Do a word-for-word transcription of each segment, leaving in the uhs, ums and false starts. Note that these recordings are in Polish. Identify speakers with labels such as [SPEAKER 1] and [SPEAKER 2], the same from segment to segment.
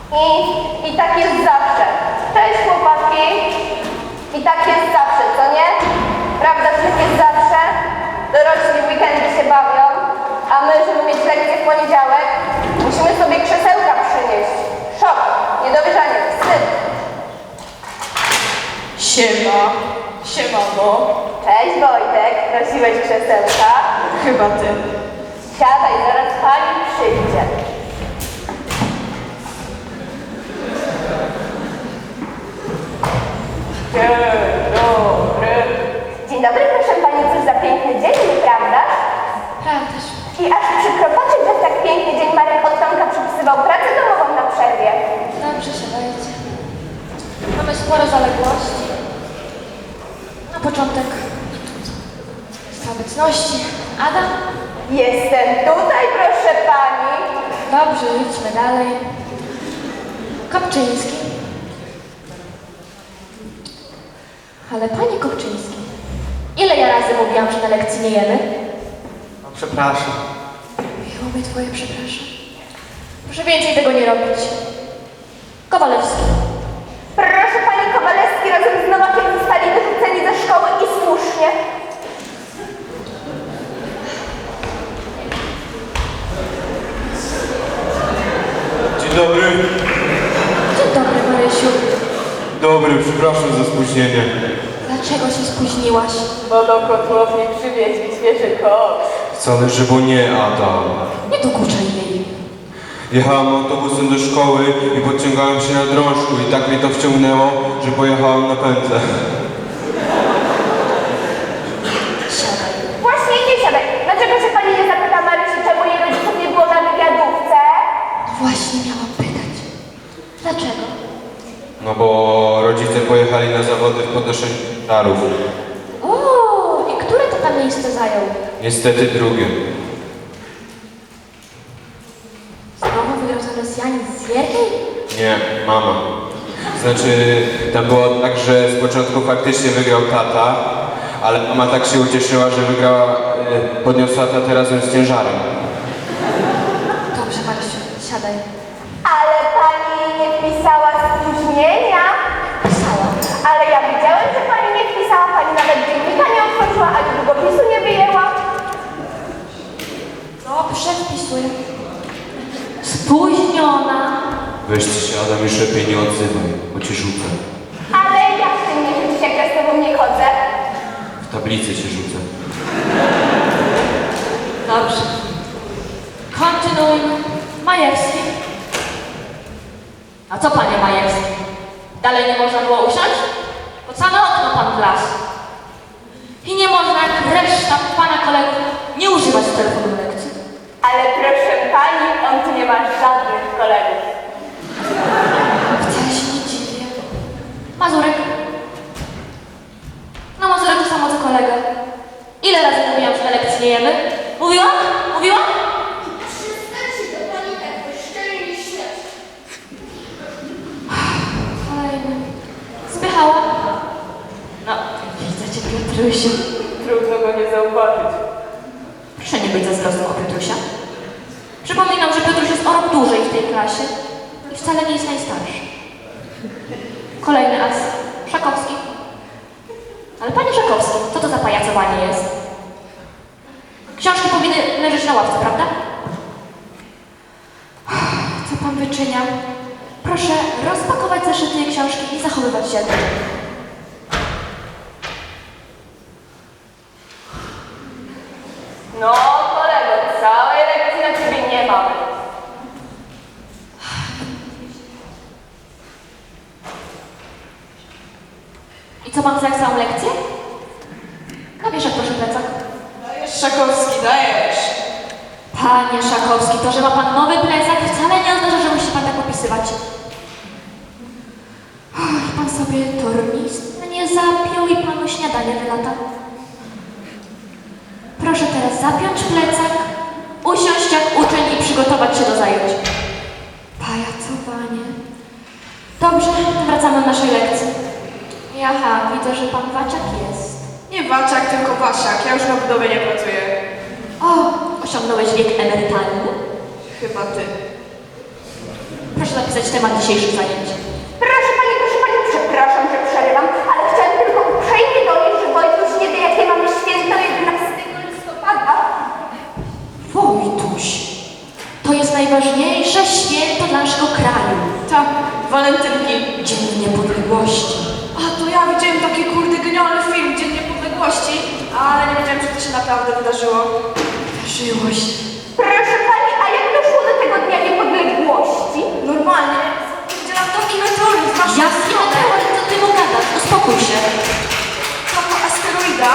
[SPEAKER 1] I, i tak jest zawsze. Cześć chłopaki. I tak jest zawsze, co nie? Prawda, że tak jest zawsze? Dorośli w weekendy się bawią, a my, żeby mieć lekcję w poniedziałek, musimy sobie krzesełka przynieść. Szok, niedowierzanie, wstyd.
[SPEAKER 2] Siema. Siemano.
[SPEAKER 1] Cześć Wojtek, prosiłeś krzesełka?
[SPEAKER 2] Chyba ty.
[SPEAKER 1] Siadaj, zaraz pani przyjdzie.
[SPEAKER 2] Dzień dobry.
[SPEAKER 1] Dzień dobry, proszę pani, cóż za piękny dzień, nieprawda?
[SPEAKER 3] Prawdaż.
[SPEAKER 1] I aż przykro patrzeć, że w tak piękny dzień Marek od Tomka przypisywał pracę domową na przerwie.
[SPEAKER 3] Dobrze się dajecie. Mamy sporo zaległości. Na początek z obecności. Adam?
[SPEAKER 1] Jestem tutaj, proszę pani.
[SPEAKER 3] Dobrze, idźmy dalej. Kopczyński. Ale panie Kopczyński, ile ja razy mówiłam, że na lekcji nie jemy?
[SPEAKER 4] No przepraszam.
[SPEAKER 3] Miło mi twoje przepraszam. Proszę więcej tego nie robić. Kowalewski.
[SPEAKER 1] Proszę pani, Kowalewski razem z Nowakiem zostali wyrzuceni ze szkoły i słusznie.
[SPEAKER 4] Dzień dobry.
[SPEAKER 3] Dzień dobry, Marysiu.
[SPEAKER 4] Dobry, przepraszam za spóźnienie.
[SPEAKER 3] Dlaczego się spóźniłaś?
[SPEAKER 2] Bo do kotłowni przywieźli świeży koks.
[SPEAKER 4] Wcale, że bo nie, Adam.
[SPEAKER 3] Nie dokuczaj jej.
[SPEAKER 4] Jechałem autobusem do szkoły i podciągałem się na drążku i tak mnie to wciągnęło, że pojechałem na pętlę.
[SPEAKER 3] Siadaj.
[SPEAKER 1] Właśnie nie siadaj. Dlaczego się pani nie zapyta Marysi, czemu jej rodziców nie było na wywiadówce?
[SPEAKER 3] Właśnie miałam pytać. Dlaczego?
[SPEAKER 4] No bo rodzice pojechali na zawody w podnoszeniu ciężarów.
[SPEAKER 3] O, i które to tam miejsce zajął?
[SPEAKER 4] Niestety drugie.
[SPEAKER 3] Znowu wygrał za Rosjanin z Wierkiej?
[SPEAKER 4] Nie, mama. Znaczy, tam było tak, że z początku faktycznie wygrał tata, ale mama tak się ucieszyła, że wygrała, e, podniosła tatę razem z ciężarem.
[SPEAKER 3] Dobrze, Marysiu, siadaj.
[SPEAKER 1] Ale pani nie wpisała spóźnienia.
[SPEAKER 3] Pisałam.
[SPEAKER 1] Ale ja widziałem, że pani nie wpisała, pani nawet dziennika nie otworzyła, ani długopisu nie wyjęła.
[SPEAKER 3] Dobrze, wpisuję. Spóźniona.
[SPEAKER 4] Weźcie się, Adam, już lepiej nie odzywaj, bo cię rzucę.
[SPEAKER 1] Ale jak ty mnie rzucisz, jak ja z tobą nie chodzę?
[SPEAKER 4] W tablicy cię rzucę.
[SPEAKER 3] Dobrze. Kontynuujmy. Majewski. A co, panie Majewski? Dalej nie można było usiąść? Pod same okno pan wlazł. I nie można, jak reszta pana kolegów, nie używać telefonu w lekcji.
[SPEAKER 1] Ale proszę pani, on tu nie ma żadnych kolegów.
[SPEAKER 3] Wcale się nie dziwię. Mazurek. No Mazurek to samo co kolega. Ile razy mówiłam, że na lekcji nie jemy? Mówiłam? Mówiłam?
[SPEAKER 5] Przestańcie to pani tak bezczelnie śmiać.
[SPEAKER 3] Kolejny. Zbychała. No, widzę cię, Piotrusiu.
[SPEAKER 2] Trudno go nie zauważyć.
[SPEAKER 3] Proszę nie być zazdrosną o Piotrusia. Przypominam, że Piotruś jest o rok dłużej w tej klasie i wcale nie jest najstarszy. Kolejny as. Szakowski. Ale panie Szakowski, co to za pajacowanie jest? Książki powinny leżeć na ławce, prawda? Co pan wyczynia? Proszę rozpakować zeszyty i książki i zachowywać się.
[SPEAKER 1] No kolego, całej lekcji na ciebie nie mamy.
[SPEAKER 3] I co pan chce jak całą lekcję? Na wieszak proszę plecak.
[SPEAKER 2] Dajesz, Szakowski, dajesz.
[SPEAKER 3] Panie Szakowski, to, że ma pan nowy plecak, wcale nie oznacza, że musi pan tak opisywać. Och, pan sobie tornistę nie zapiął i panu śniadanie wylata. Proszę teraz zapiąć plecak, usiąść jak uczeń i przygotować się do zajęć. Pajacowanie. Dobrze, wracamy do naszej lekcji. Jaha, widzę, że pan Waciak jest.
[SPEAKER 2] Nie Waciak, tylko Wasiak. Ja już na budowie nie pracuję.
[SPEAKER 3] O, osiągnąłeś wiek emerytalny?
[SPEAKER 2] Chyba ty.
[SPEAKER 3] Proszę zapisać temat dzisiejszych zajęć.
[SPEAKER 1] Proszę pani, proszę pani, przepraszam, że przerywam, ale chciałam tylko uprzejmie donieść, że Wojtuś nie wie, jakie mamy święto jedenastego listopada.
[SPEAKER 3] Wojtuś, to jest najważniejsze święto dla naszego kraju.
[SPEAKER 2] Tak, walentynki.
[SPEAKER 3] Dzień Niepodległości.
[SPEAKER 2] A to ja widziałem taki kurde genialny film, Dzień Niepodległości, ale nie wiedziałem, że to się naprawdę wydarzyło.
[SPEAKER 3] Wydarzyło się.
[SPEAKER 1] Proszę pani, a jak doszło do tego Dnia Niepodległości?
[SPEAKER 2] Normalnie. Widziałam taki meteoryt, masz
[SPEAKER 3] Jaki meteoryt, co ty mu gadasz? Uspokój się.
[SPEAKER 2] Taka asteroida.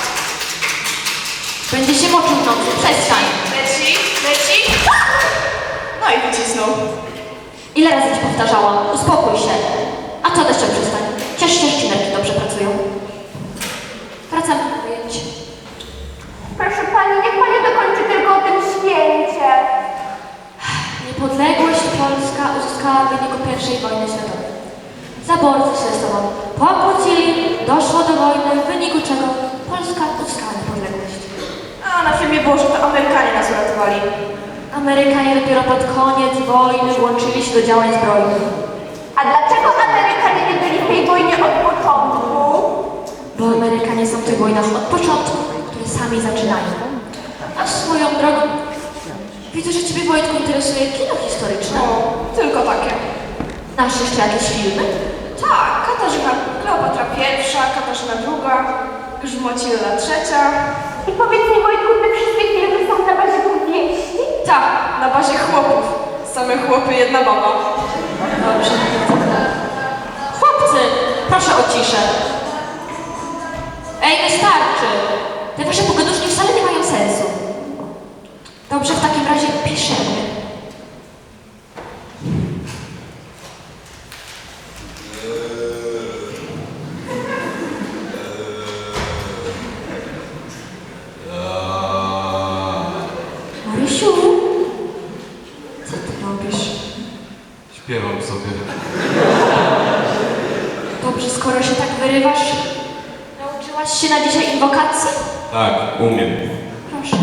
[SPEAKER 3] Będzie się moczył w nocy, przestań.
[SPEAKER 2] Leci, leci. No i wycisnął.
[SPEAKER 3] Ile razy ci powtarzałam? Uspokój się. A co deszczem przestań? Ciesz się, szcinerki dobrze pracują. Wracamy do pojęć.
[SPEAKER 1] Proszę pani, niech pani dokończy tylko o tym święcie.
[SPEAKER 3] Niepodległość Polska uzyskała w wyniku pierwszej wojny światowej. Zaborcy się ze sobą pokłócili, doszło do wojny, w wyniku czego Polska uzyskała niepodległość.
[SPEAKER 2] A na filmie było, że to Amerykanie nas uratowali.
[SPEAKER 3] Amerykanie dopiero pod koniec wojny włączyli się do działań zbrojnych.
[SPEAKER 1] A dlaczego Amerykanie nie byli w tej wojnie od początku?
[SPEAKER 3] Bo Amerykanie są w tych wojnach od początku, które sami zaczynają. A swoją drogą, widzę, że Ciebie, Wojtku, interesuje kino historyczne.
[SPEAKER 2] No, tylko takie.
[SPEAKER 3] Znasz jeszcze jakieś filmy?
[SPEAKER 2] Tak, Katarzyna Kleopatra pierwsza, Katarzyna druga, Grzmocilla trzecia.
[SPEAKER 1] I powiedz mi, Wojtku, te wszystkie filmy są na bazie powieści?
[SPEAKER 2] Tak, na bazie chłopów. Same chłopy, jedna baba.
[SPEAKER 3] Dobrze. Chłopcy, proszę o ciszę. Ej, wystarczy. Te wasze pogaduszki wcale nie mają sensu. Dobrze, w takim razie piszemy. Marysiu, co ty robisz?
[SPEAKER 4] Śpiewam sobie.
[SPEAKER 3] Dobrze, skoro się tak wyrywasz, nauczyłaś się na dzisiaj inwokacji?
[SPEAKER 4] Tak, umiem.
[SPEAKER 3] Proszę.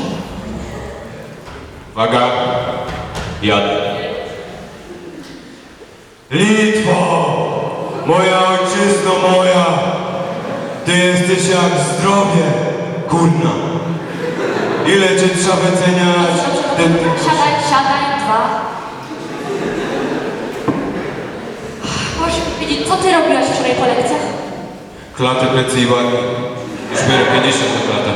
[SPEAKER 4] Uwaga, jadę. Litwo, moja ojczyzno moja, ty jesteś jak zdrowie, kurna. Ile cię trzeba wyceniać? Ty, ty...
[SPEAKER 3] Siadaj, siadaj, dwa. Możesz mi powiedzieć, co ty robiłaś wczoraj po lekcjach?
[SPEAKER 4] Klatę, plecy i ładnie. Już biorę pięćdziesiąt na klatę.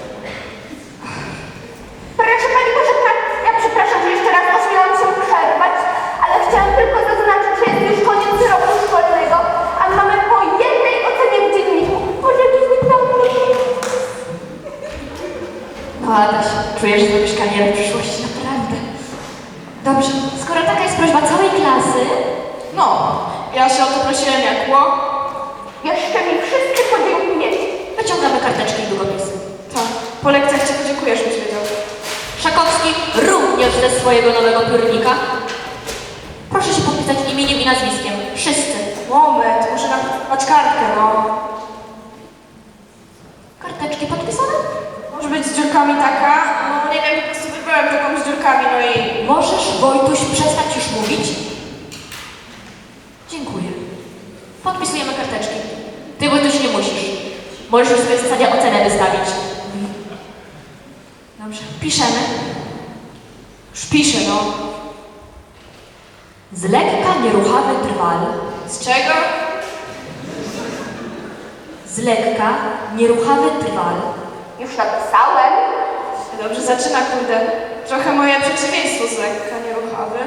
[SPEAKER 1] Proszę pani, proszę pani, ja przepraszam, że jeszcze raz ośmielam się przerwać, ale chciałam tylko zaznaczyć, że jest już koniec roku szkolnego, a mamy po jednej ocenie w dzienniku. Może jakiś egzamin?
[SPEAKER 3] No Adaś, czujesz, że zrobisz karierę w przyszłości, naprawdę. Dobrze, skoro taka jest prośba całej klasy,
[SPEAKER 2] No, ja się o to prosiłem jak ło.
[SPEAKER 1] Jeszcze mi wszystkie podziękujecie.
[SPEAKER 3] wyciągamy karteczki i długopisy.
[SPEAKER 2] Tak, po lekcjach cię podziękujesz, byś wiedział.
[SPEAKER 3] Szakowski również ze swojego nowego piórnika. Proszę się podpisać imieniem i nazwiskiem. Wszyscy.
[SPEAKER 2] Moment, muszę napisać kartkę, no.
[SPEAKER 3] Karteczki podpisane?
[SPEAKER 2] Może być z dziurkami taka? No nie wiem, po prostu wybrałem taką z dziurkami, no i...
[SPEAKER 3] Możesz, Wojtuś, przestać już mówić? Dziękuję. Podpisujemy karteczki. Ty, Wojtuś, nie musisz. Możesz już sobie w zasadzie ocenę wystawić. Dobrze. Piszemy.
[SPEAKER 2] Już piszę, no.
[SPEAKER 3] Z lekka nieruchawy drwal.
[SPEAKER 2] Z czego?
[SPEAKER 3] Z lekka nieruchawy drwal.
[SPEAKER 1] Już napisałem.
[SPEAKER 2] Dobrze zaczyna, kurde. Trochę moje przeciwieństwo z lekka nieruchawy.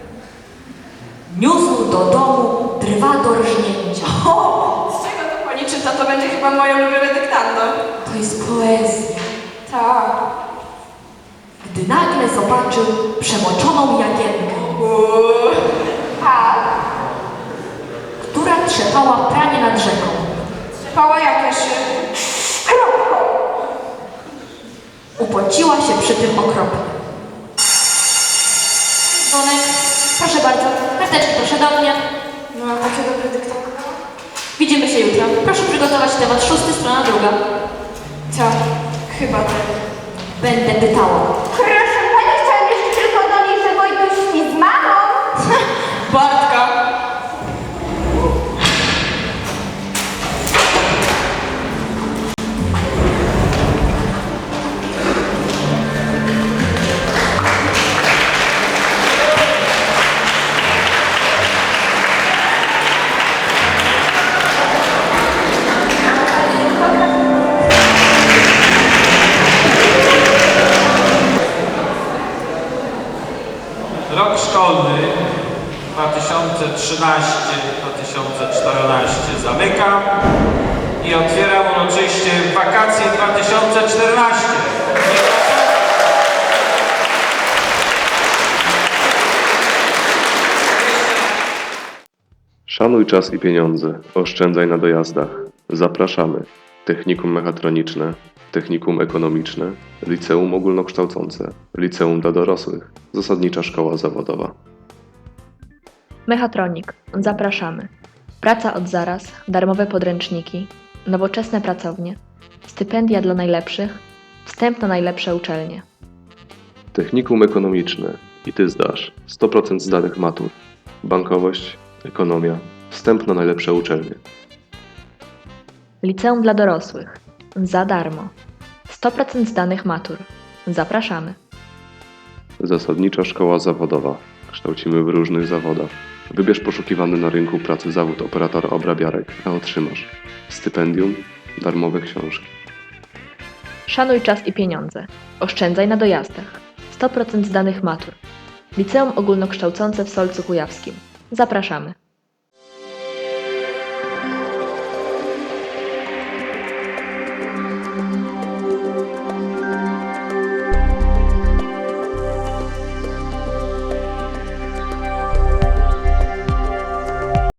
[SPEAKER 3] Niósł do domu drwa do rżnięcia.
[SPEAKER 2] O! Z czego to pani czyta? To będzie chyba moje ulubione dyktando.
[SPEAKER 3] To jest poezja.
[SPEAKER 2] Tak.
[SPEAKER 3] Gdy nagle zobaczył przemoczoną jagienkę,
[SPEAKER 2] Uuu.
[SPEAKER 1] Tak.
[SPEAKER 3] która trzepała pranie nad rzeką.
[SPEAKER 2] Pała jakieś...
[SPEAKER 1] Kropką.
[SPEAKER 3] Upociła się przy tym okropnie. Dzwonek, proszę bardzo, karteczki proszę do mnie.
[SPEAKER 2] No, takie dobre dyktando.
[SPEAKER 3] Widzimy się jutro. Proszę przygotować temat szósty, strona druga.
[SPEAKER 2] Tak, chyba tak.
[SPEAKER 3] Będę pytała.
[SPEAKER 1] Proszę pani, chciałam jeszcze tylko donieść, że Wojtuś śpi z mamą.
[SPEAKER 6] dwa tysiące trzynaście dwa tysiące czternaście zamykam i otwieram uroczyście wakacje dwa tysiące czternaście.
[SPEAKER 7] Szanuj czas i pieniądze, oszczędzaj na dojazdach. Zapraszamy. Technikum mechatroniczne, technikum ekonomiczne, liceum ogólnokształcące, liceum dla dorosłych, zasadnicza szkoła zawodowa.
[SPEAKER 8] Mechatronik. Zapraszamy. Praca od zaraz, darmowe podręczniki, nowoczesne pracownie, stypendia dla najlepszych, wstęp na najlepsze uczelnie.
[SPEAKER 7] Technikum ekonomiczne. I ty zdasz. sto procent zdanych matur. Bankowość, ekonomia, wstęp na najlepsze uczelnie.
[SPEAKER 8] Liceum dla dorosłych. Za darmo. sto procent zdanych matur. Zapraszamy.
[SPEAKER 7] Zasadnicza szkoła zawodowa. Kształcimy w różnych zawodach. Wybierz poszukiwany na rynku pracy zawód operatora obrabiarek, a otrzymasz stypendium, darmowe książki.
[SPEAKER 8] Szanuj czas i pieniądze. Oszczędzaj na dojazdach. sto procent zdanych matur. Liceum ogólnokształcące w Solcu Kujawskim. Zapraszamy.